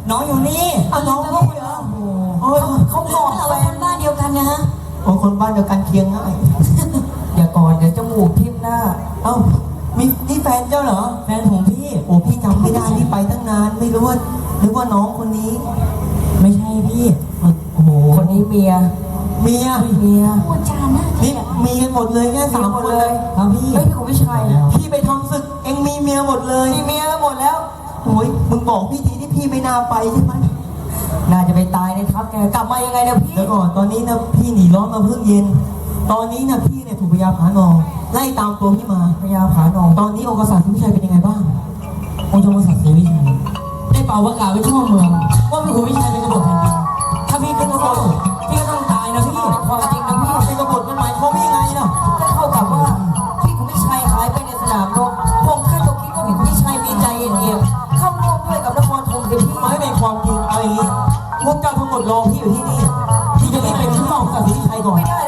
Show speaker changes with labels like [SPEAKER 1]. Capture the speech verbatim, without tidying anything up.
[SPEAKER 1] น้องอยู่นี่
[SPEAKER 2] เอาน้องพี่เหรอโอ้ยเขาบอกแฟนบ้านเดียวกันนะฮะโอ้คนบ้านเดียวกันเคียงง่ายอย่าก่อนเดี๋ยวจมูกทิ่มหน้าเอ้ามีนี่แฟนเจ้าเหรอแฟนผมพี่โอ้พี่จำไม่ได้พี่ไปตั้งนานไม่รู้ว่านึกว่าน้องคนนี้ไม่ใช่พี่โอ้โหคนนี้เมียเมียเมียพูดจาน่านี่มีกันหมดเลยแค่สามคนเลยครับพี่เฮ้ยพี่คุณไม่ใช่พี่ไปทำศึกเอ็งมีเมียหมดเลยมีเมียหมดแล้วโอ้ยมึงบอกพี่ทีที่พี่ไม่น่าไปใช่ไหมน่าจะไปตายในทัพแกกลับมายังไงเนี่ยพี่เดี๋ยวก่อนตอนนี้นะพี่หนีร้อนมาเพิ่งเย็นตอนนี้นะพี่เนี่ยถูกพญาผานองไล่ตามตัวพี่มาพญาผานองตอนนี้องค์กษัตริย์ศรีวิชัยเป็นยังไงบ้างองค์กษัตริย์ศรีวิชัยได้เป่าประกาศไว้ทั่วเมืองว่าพี่ขุนวิชัยเป็นกบฏแผ่นดินถ้าพี่ขึ้นกบฏพี่ก็ต้องตายนะพี่ความจริงนะพี่เป็นกบฏมันหมายความว่ายังไงเนาะก็เท่ากับว่าพี่ขุนวิชัยหายไปในสนามรบผมแค่ต้องคิดว่าพี่ขุนวิชัยมีใจเย็นๆเข้าร่วมด้วยกับนครธมคือพี่ไม่เป็นความจริงเอาอย่างนี้พวกเจ้าทั้งหมดรอพี่อยู่ที่นี่พี่จะรีบไปที่ห้องกษัตริย์ศรีวิชัยก่อนไม่ได้